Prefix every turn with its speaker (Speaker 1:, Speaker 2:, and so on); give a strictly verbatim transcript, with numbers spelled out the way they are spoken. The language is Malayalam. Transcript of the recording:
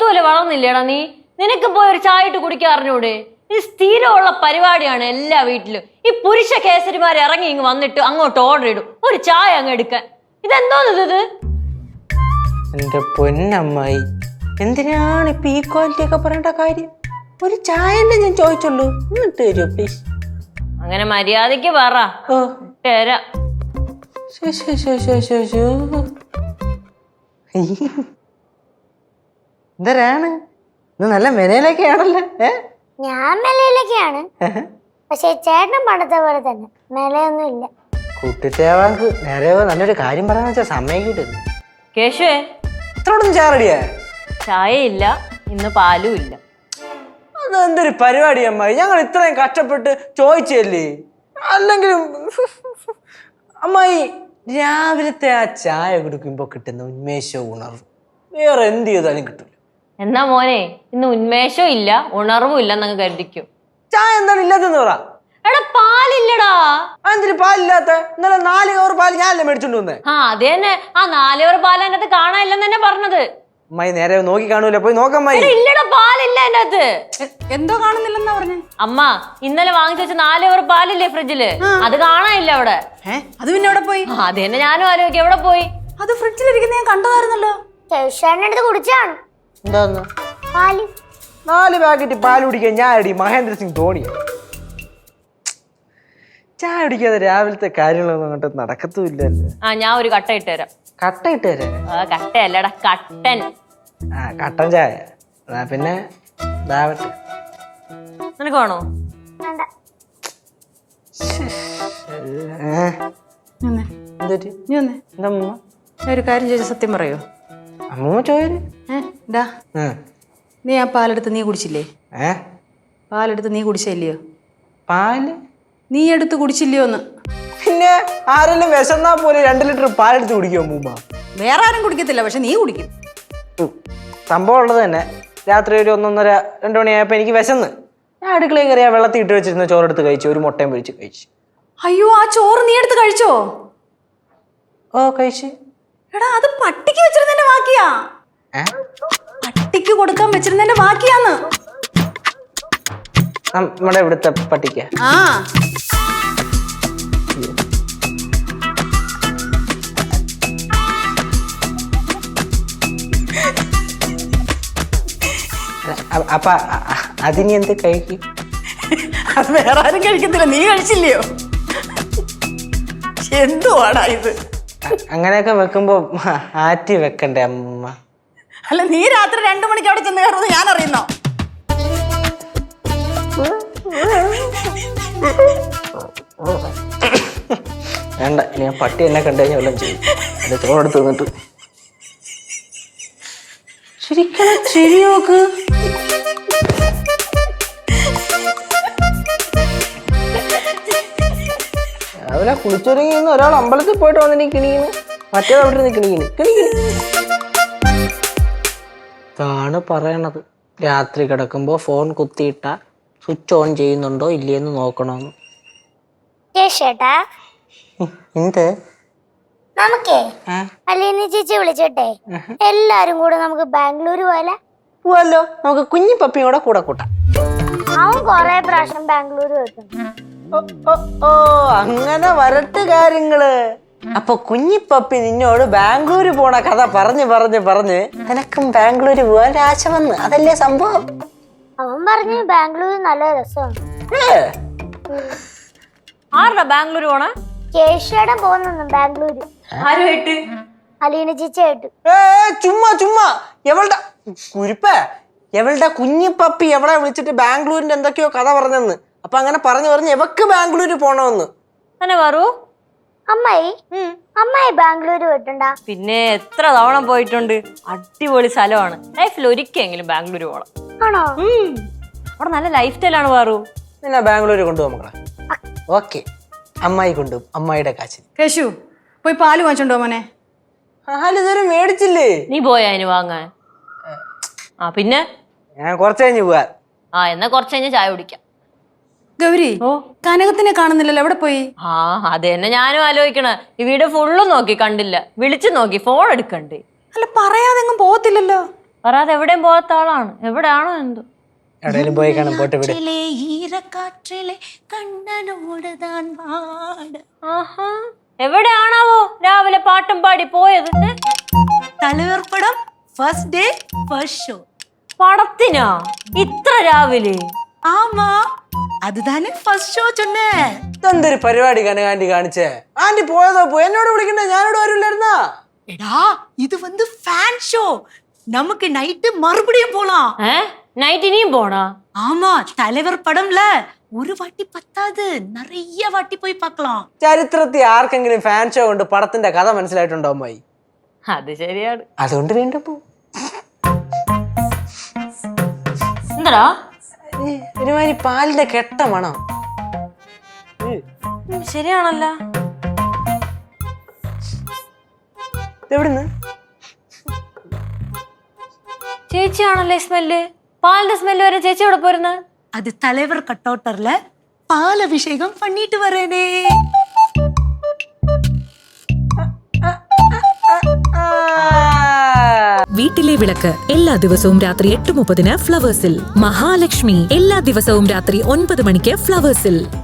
Speaker 1: പോത്തുപോലെ വളർന്നില്ലേടാ നീ? നിനക്ക് പോയി ഒരു ചായ ഇട്ട് കുടിക്കാൻ അറിഞ്ഞൂടെ? ഇത് സ്ഥിരമുള്ള പരിപാടിയാണ് എല്ലാ വീട്ടിലും. ഈ പുരുഷ കേസരിമാർ ഇറങ്ങി ഇങ്ങ് വന്നിട്ട് അങ്ങോട്ട് ഓർഡർ ഇടും ഒരു ചായ അങ്ങ് എടുക്കാൻ. ഇതെന്തോന്ന് ഇത്?
Speaker 2: എന്റെ പൊന്നമ്മായി, എന്തിനാണ് ഇപ്പൊ ഈ ക്വാളിറ്റി ഒക്കെ പറയേണ്ട കാര്യം? ഒരു ചായല്ലേ ഞാൻ ചോദിച്ചുള്ളൂ, എന്നിട്ട് തരുമോ പ്ലീസ്?
Speaker 1: അങ്ങനെ മര്യാദക്ക് പറ.
Speaker 2: ഓ
Speaker 1: തരാം.
Speaker 2: എന്തരാണ് ഇത്? നല്ല മെനയിലൊക്കെയാണല്ലോ. ഏ
Speaker 3: ഞാൻ മെലയിലൊക്കെയാണ്, പക്ഷെ ചേട്ടൻ പണ്ടത്തെ പോലെ തന്നെ മെലയൊന്നും ഇല്ല.
Speaker 2: കുട്ടിച്ചേവാക്ക് നേരെ നല്ലൊരു കാര്യം പറയാന്ന് വെച്ചാൽ സമയം കിട്ടുന്നു.
Speaker 1: കേശുവേ,
Speaker 2: ഇത്രയോടൊന്നും ചായ റെഡിയാ?
Speaker 1: ചായ ഇല്ല, ഇന്ന് പാലും ഇല്ല.
Speaker 2: അതെന്തൊരു പരിപാടി അമ്മായി, ഞങ്ങൾ ഇത്രയും കഷ്ടപ്പെട്ട് ചോദിച്ചല്ലേ. അല്ലെങ്കിലും അമ്മായി രാവിലത്തെ ആ ചായ കുടിക്കുമ്പോ കിട്ടുന്ന ഉന്മേഷവും ഉണർവും വേറെ എന്ത് ചെയ്താലും കിട്ടില്ല.
Speaker 1: എന്നാ മോനെ, ഇന്ന് ഉന്മേഷവും ഇല്ല ഉണർവും ഇല്ല എന്നങ്ങ് കരുതിക്കും.
Speaker 2: ചായ എന്താണ് ഇല്ലാത്തെന്ന് പറ.
Speaker 1: എടാ പാലില്ലടാ.
Speaker 2: എന്തിന് പാലില്ലാത്ത? ഇന്നലെ നാല് കവർ പാല് ഞാനല്ലേ മേടിച്ചോണ്ട് വന്നേ.
Speaker 1: ആ അത് തന്നെ, ആ നാല് കവർ പാൽ അതിനകത്ത് കാണാനില്ലെന്ന് തന്നെ പറഞ്ഞത്.
Speaker 2: അമ്മായി നേരെ നോക്കി കാണൂല, പോയി നോക്കമ്മായി.
Speaker 1: ഇല്ലടാ പാലില്ല അതിനകത്ത്.
Speaker 4: എന്തോ കാണുന്നില്ലെന്നാ പറഞ്ഞേ?
Speaker 1: അമ്മ ഇന്നലെ വാങ്ങിച്ചു വെച്ച നാല് കവർ പാലില്ലേ ഫ്രിഡ്ജില്, അത് കാണാനില്ല അവിടെ.
Speaker 4: അത് പിന്നെ എവിടെ പോയി?
Speaker 1: അത് തന്നെ ഞാനും ആലോചിക്കും, എവിടെ പോയി?
Speaker 4: അത് ഫ്രിഡ്ജിലിരിക്കുന്ന ഞാൻ കണ്ടതായിരുന്നല്ലോ.
Speaker 3: ചേട്ടൻ്റെ അടുത്ത് കുടിച്ചാണ്.
Speaker 2: എന്താന്ന്?
Speaker 3: പാല്.
Speaker 2: നാല് പാക്കറ്റ് പാൽ കുടിക്കാൻ ഞാൻ അടി മഹേന്ദ്ര സിംഗ് ധോണി. ചായ കുടിക്കാതെ രാവിലത്തെ കാര്യങ്ങളൊന്നും അങ്ങോട്ട് നടക്കത്തുമില്ലല്ലോ.
Speaker 1: ആ ഞാൻ ഒരു കട്ട ഇട്ട് തരാം.
Speaker 2: കട്ട ഇട്ട് തരാം?
Speaker 1: ആ കട്ടയല്ലടാ, കട്ടൻ.
Speaker 2: ആ കട്ടൻ ചായ. എന്നാ പിന്നെ ഇതാവട്ടെ.
Speaker 1: നിനക്ക് വേണോ?
Speaker 3: വേണ്ട.
Speaker 2: എന്തൊരു
Speaker 4: നീ വന്നേ.
Speaker 2: എന്താ അമ്മ?
Speaker 4: ഞാൻ ഒരു കാര്യം ചോദിച്ച സത്യം പറയോ?
Speaker 2: അമ്മൂമ്മ ചോര്.
Speaker 4: ഏടാ, നീ ആ പാലെടുത്ത് നീ കുടിച്ചില്ലേ?
Speaker 2: ഏ
Speaker 4: പാലെടുത്ത് നീ കുടിച്ചില്ലയോ?
Speaker 2: പാല്
Speaker 4: നീ എടുത്ത് കുടിച്ചില്ലയോ എന്ന്?
Speaker 2: പിന്നെ ആരെങ്കിലും വിശന്നാ പോലെ രണ്ട് ലിറ്റർ പാലെടുത്ത് കുടിക്കുമോ അമ്മൂമ്മ?
Speaker 4: വേറെ ആരും കുടിക്കത്തില്ല, പക്ഷെ നീ കുടിക്കും.
Speaker 2: സംഭവം ഉള്ളത് തന്നെ. രാത്രി ഒരു ഒന്നൊന്നര രണ്ടു മണിയായപ്പോ എനിക്ക് വിശന്ന് ഞാൻ അടുക്കളയിൽ കയറിയാ വെള്ളത്തിൽ ഇട്ട് വെച്ചിരുന്ന ചോറെടുത്ത് കഴിച്ചു, ഒരു മുട്ടയും പൊരിച്ച് കഴിച്ചു.
Speaker 4: അയ്യോ, ആ ചോറ് നീ എടുത്ത് കഴിച്ചോ?
Speaker 2: ഓ കഴിച്ചു.
Speaker 4: എടാ, അത് പട്ടിക്ക് വെച്ചിരുന്നതിന്റെ ബാക്കിയാ. പട്ടിക്ക് കൊടുക്കാൻ വെച്ചിരുന്നതിന്റെ ബാക്കിയാന്ന്.
Speaker 2: നമ്മുടെ ഇവിടുത്തെ പട്ടിക്ക.
Speaker 4: ആ
Speaker 2: അപ്പ അതിനി എന്ത് കഴിക്കും?
Speaker 4: അത് വേറെ ആരും കഴിക്കത്തില്ല, നീ കഴിച്ചില്ലയോ? എന്തുവാടാ ഇത്?
Speaker 2: അങ്ങനെയൊക്കെ വെക്കുമ്പോ ആറ്റി വെക്കണ്ടേ അമ്മ?
Speaker 4: അല്ല, നീ രാത്രി രണ്ടു മണിക്ക് അവിടെ ചെന്ന് കയറുന്നത് ഞാൻ അറിയുന്നോ?
Speaker 2: വേണ്ട, ഞാൻ പട്ടി എന്നെ കണ്ടു കഴിഞ്ഞാൽ വല്ലതും ചെയ്യും. എന്റെ ചോറെടുത്ത് നിന്നിട്ട് ശരിക്കും ശരി നോക്ക്. രാവിലെ കുളിച്ചൊരുങ്ങി ഒരാൾ അമ്പലത്തിൽ പോയിട്ട് വന്നിട്ട് കിണിക്കുന്നു, മറ്റേത് അവിടെ നിന്ന് കിണിക്കുന്നു കിണിക്കുന്നു. ഇതാണ് പറയണത്, രാത്രി കിടക്കുമ്പോ ഫോൺ കുത്തിയിട്ട സ്വിച്ച് ഓൺ ചെയ്യുന്നുണ്ടോ ഇല്ലേന്ന് നോക്കണമെന്ന്.
Speaker 3: ചേട്ടാ,
Speaker 2: എന്ത്?
Speaker 3: നമുക്കേ അലീന ചേച്ചി വിളിച്ചോട്ടെ, എല്ലാരും കൂടെ നമുക്ക് ബാംഗ്ലൂർ പോലെ
Speaker 2: പോവല്ലോ. നമുക്ക് കുഞ്ഞി പപ്പിയും കൂടെ കൂടെ കൂട്ടാം.
Speaker 3: അവൻ കൊറേ പ്രാവശ്യം ബാംഗ്ലൂർ വെക്കും.
Speaker 2: ഓ അങ്ങനെ വരട്ട് കാര്യങ്ങള്. അപ്പൊ കുഞ്ഞിപ്പപ്പി നിന്നോട് ബാംഗ്ലൂര് പോണ കഥ പറഞ്ഞ് പറഞ്ഞ് പറഞ്ഞ് നിനക്കും ബാംഗ്ലൂര് പോവാൻ ആശ വന്ന്, അതല്ലേ സംഭവം?
Speaker 3: അവൻ പറഞ്ഞു ബാംഗ്ലൂർ നല്ല രസമാണ്.
Speaker 1: ആരുടെ ബാംഗ്ലൂർ പോണ?
Speaker 3: കേശയുടെ പോകുന്നു ബാംഗ്ലൂര്.
Speaker 1: ആരുമായിട്ട്?
Speaker 3: അലീന ചേച്ചിയായിട്ട്.
Speaker 2: ഏ ചുമ്മാ ചുമ്മാ എവളുടെ കുരിപ്പേ, എവളുടെ കുഞ്ഞിപ്പപ്പി എവിടെ വിളിച്ചിട്ട് ബാംഗ്ലൂരിന്റെ എന്തൊക്കെയോ കഥ പറഞ്ഞെന്ന്. അപ്പൊ അങ്ങനെ പറഞ്ഞു പറഞ്ഞ് എവക്ക് ബാംഗ്ലൂര് പോണമെന്ന്.
Speaker 1: തന്നെ പറൂ.
Speaker 3: അമ്മായി അമ്മായി ബാംഗ്ലൂര് പോയിട്ടുണ്ടാ?
Speaker 1: പിന്നെ എത്ര തവണ പോയിട്ടുണ്ട്. അടിപൊളി സ്ഥലമാണ്. ലൈഫിൽ ഒരിക്കലെങ്കിലും ബാംഗ്ലൂർ പോകണം.
Speaker 3: ആണോ?
Speaker 1: അവിടെ നല്ല ലൈഫ് സ്റ്റൈലാണ് പാറു.
Speaker 2: നിന്നെ ബാംഗ്ലൂര് കൊണ്ടുപോകും മക്കളെ. ഓക്കെ, അമ്മായി കൊണ്ടുപോകും, അമ്മായിയുടെ കാശിന്.
Speaker 4: കേശു, പോയി പാല് വാങ്ങിച്ചോണ്ടോ മോനെ?
Speaker 2: പാല് ഇതുവരെ മേടിച്ചില്ലേ?
Speaker 1: നീ പോയാ അതിന് വാങ്ങാൻ? ആ പിന്നെ
Speaker 2: ഞാൻ കുറച്ച് കഴിഞ്ഞ് പോവാ.
Speaker 1: ആ എന്നാ കുറച്ച് കഴിഞ്ഞ് ചായ കുടിക്കാം.
Speaker 4: ഗൗരി, ഓ കനകത്തിനെ കാണുന്നില്ലല്ലോ, എവിടെ പോയി?
Speaker 1: ആ അത് തന്നെ ഞാനും ആലോചിക്കണ. ഈ വീട് ഫുള്ളും നോക്കി കണ്ടില്ല, വിളിച്ചു നോക്കി, ഫോൺ എടുക്കണ്ടേ.
Speaker 4: അല്ല, പറയാതെങ്ങും പോകത്തില്ലല്ലോ.
Speaker 1: പറയാതെ എവിടെയും പോകാത്ത ആളാണ്. എവിടെയാണോ എന്തോ.
Speaker 2: എവിടെയെങ്കിലും പോയി കാണാൻ പോട്ടെ വിട്.
Speaker 4: ഈരക്കാറ്റിലെ കണ്ണനോടുതാൻ പാട്.
Speaker 1: ആഹാ, എവിടെയാണാവോ രാവിലെ പാട്ടും പാടി പോയത്?
Speaker 4: തലവർ പടം ഫസ്റ്റ് ഡേ ഫസ്റ്റ് ഷോ.
Speaker 1: പടത്തിനാ ഇത്ര രാവിലെ?
Speaker 4: ആമാ, അതുതാനെ ഫസ്റ്റ് ഷോ ചൊന്നേ.
Speaker 2: ഇതെന്തൊരു പരിപാടി കനകാന്റി കാണിച്ചേ? ആന്റി പോയതോ പോയി, എന്നോട് വിളിക്കണ്ടേ? ഞാനോട് വരില്ലായിരുന്നാ?
Speaker 4: എടാ, ഇത് வந்து ഫാൻ ഷോ. நமக்கு நைட்டு மறுபடியும் போலாம்.
Speaker 1: ഏ നൈറ്റ് ഇനിയും പോണാ?
Speaker 4: ஆமா, தலைவர் படம்ல ஒரு வாட்டி பத்தாது, நிறைய வாட்டி போய் பார்க்கலாம்.
Speaker 2: ചരിത്രത്തിൽ ആർക്കെങ്കിലും ഫാൻ ഷോ കൊണ്ട് പടത്തിന്റെ കഥ മനസ്സിലായിട്ടുണ്ടോ അമ്മായി?
Speaker 1: അത് ശരിയാണ്.
Speaker 2: അതുകൊണ്ട് വീണ്ടും പോ.
Speaker 1: എന്താ
Speaker 2: ഒരുമാതിരി പാലിന്റെ കെട്ട മണം.
Speaker 1: ശരിയാണല്ല.
Speaker 2: എവിടുന്ന്?
Speaker 1: ചേച്ചിയാണല്ലേ സ്മെല്ല്? പാലിന്റെ സ്മെല്ല് വരെ ചേച്ചി എവിടെ പോരുന്നത്?
Speaker 4: அது தலைவர் கட்டவுட்டர்ல பால் அபிஷேகம் பண்ணிட்டு வரேனே.
Speaker 5: വീട്ടിലെ വിളക്ക് എല്ലാ ദിവസവും രാത്രി എട്ട് മുപ്പതിന് ഫ്ലവേഴ്സിൽ. മഹാലക്ഷ്മി എല്ലാ ദിവസവും രാത്രി ഒൻപത് മണിക്ക് ഫ്ലവേഴ്സിൽ.